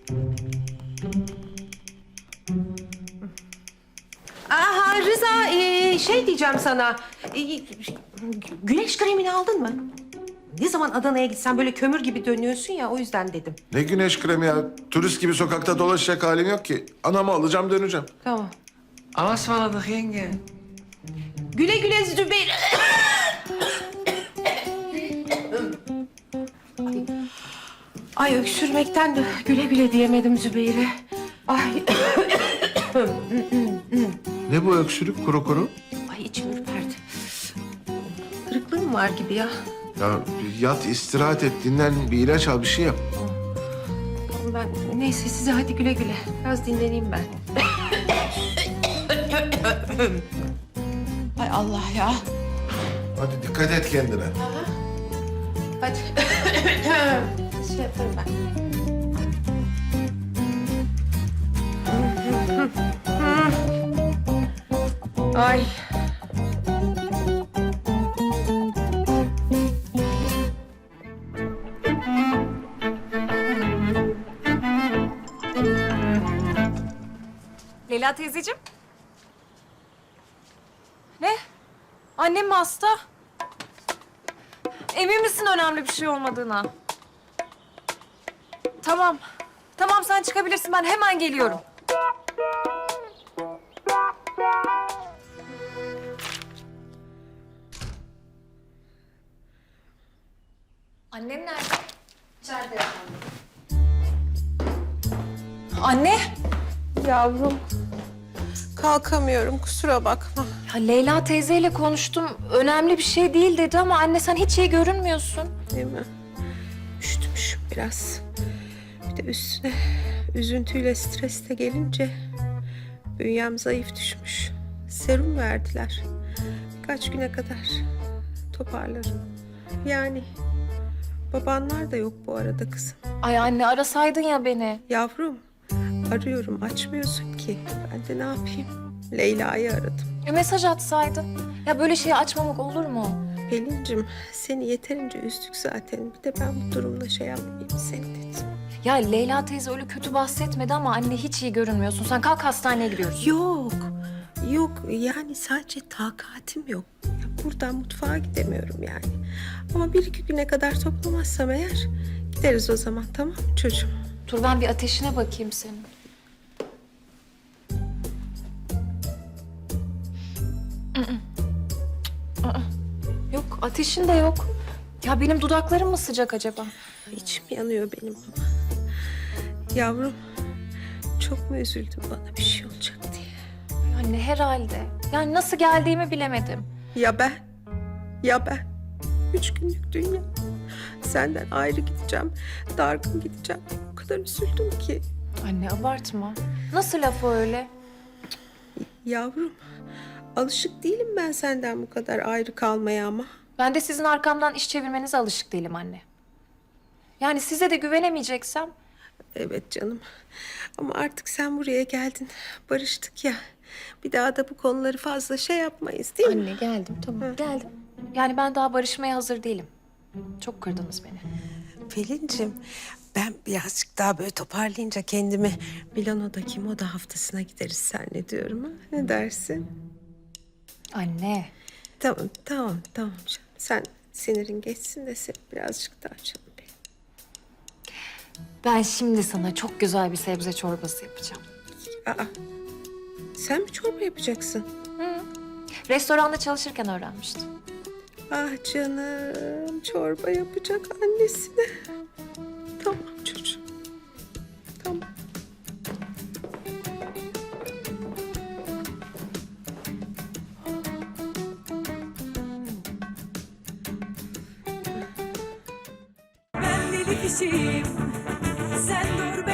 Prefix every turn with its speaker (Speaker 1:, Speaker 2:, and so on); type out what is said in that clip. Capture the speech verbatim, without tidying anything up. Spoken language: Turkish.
Speaker 1: Aha Rıza, ee, şey diyeceğim sana. Ee, güneş kremini aldın mı? Ne zaman Adana'ya gitsen böyle kömür gibi dönüyorsun ya, o yüzden dedim.
Speaker 2: Ne güneş kremi ya? Turist gibi sokakta dolaşacak halim yok ki. Anamı alacağım, döneceğim.
Speaker 1: Tamam.
Speaker 3: Ama ısmarladık yenge.
Speaker 1: Güle güle Zübeyir. Ay, ay öksürmekten de güle güle diyemedim Zübeyir'e. Ay.
Speaker 2: Ne bu öksürük kuru kuru?
Speaker 1: Ay içim ürperdi. Kırıklığım var gibi ya.
Speaker 2: Ya yat, istirahat et, dinlen, bir ilaç al, bir şey yap.
Speaker 1: Ben neyse size hadi güle güle. Biraz dinleneyim ben. Ay Allah ya.
Speaker 2: Hadi dikkat et kendine.
Speaker 1: Hadi. Şey yaparım ben. Ay.
Speaker 4: Leyla teyzeciğim. Ne? Annem mi hasta? Emin misin önemli bir şey olmadığına? Tamam. Tamam sen çıkabilirsin. Ben hemen geliyorum. Annem nerede? İçeride efendim. Anne.
Speaker 1: Yavrum. Kalkamıyorum, kusura bakma.
Speaker 4: Ya Leyla teyzeyle konuştum. Önemli bir şey değil dedi ama anne sen hiç iyi görünmüyorsun.
Speaker 1: Değil mi? Üşütmüşüm biraz. Bir de üstüne üzüntüyle stres de gelince bünyem zayıf düşmüş. Serum verdiler. Birkaç güne kadar toparlarım. Yani babanlar da yok bu arada kızım.
Speaker 4: Ay anne arasaydın ya beni.
Speaker 1: Yavrum, arıyorum açmıyorsun ki. Ben de ne yapayım? Leyla'yı aradım.
Speaker 4: E, mesaj atsaydın. Ya böyle şeyi açmamak olur mu?
Speaker 1: Pelin'cim seni yeterince üzdük zaten. Bir de ben bu durumda şey yapmayayım seni dedim.
Speaker 4: Ya Leyla teyze öyle kötü bahsetmedi ama anne hiç iyi görünmüyorsun. Sen kalk hastaneye gidiyoruz.
Speaker 1: Yok, yok yani sadece takatim yok. Ya buradan mutfağa gidemiyorum yani. Ama bir iki güne kadar toplamazsam eğer gideriz o zaman, tamam mı çocuğum?
Speaker 4: Dur ben bir ateşine bakayım senin. Aa, yok ateşin de yok. Ya benim dudaklarım mı sıcak acaba?
Speaker 1: İçim yanıyor benim ama. Yavrum çok mu üzüldün bana bir şey olacak diye?
Speaker 4: Anne herhalde. Yani nasıl geldiğimi bilemedim.
Speaker 1: Ya ben? Ya ben? Üç günlük dünya. Senden ayrı gideceğim, dargın gideceğim. O kadar üzüldüm ki.
Speaker 4: Anne abartma. Nasıl laf o öyle?
Speaker 1: Yavrum, alışık değilim ben senden bu kadar ayrı kalmaya ama.
Speaker 4: Ben de sizin arkamdan iş çevirmenize alışık değilim anne. Yani size de güvenemeyeceksem...
Speaker 1: Evet canım. Ama artık sen buraya geldin. Barıştık ya. Bir daha da bu konuları fazla şey yapmayız değil mi?
Speaker 4: Anne geldim tamam geldim. Yani ben daha barışmaya hazır değilim. Çok kırdınız beni.
Speaker 1: Pelin'cim ben birazcık daha böyle toparlayınca kendimi Milano'daki moda haftasına gideriz zannediyorum. Ha? Ne dersin?
Speaker 4: Anne.
Speaker 1: Tamam, tamam, tamam canım. Sen sinirin geçsin de sen birazcık daha canım benim.
Speaker 4: Ben şimdi sana çok güzel bir sebze çorbası yapacağım.
Speaker 1: Aa, sen mi çorba yapacaksın?
Speaker 4: Restoranda çalışırken öğrenmiştim.
Speaker 1: Ah canım, çorba yapacak annesine. Tamam çocuğum, tamam.
Speaker 5: Ben deli kişiyim, sen dur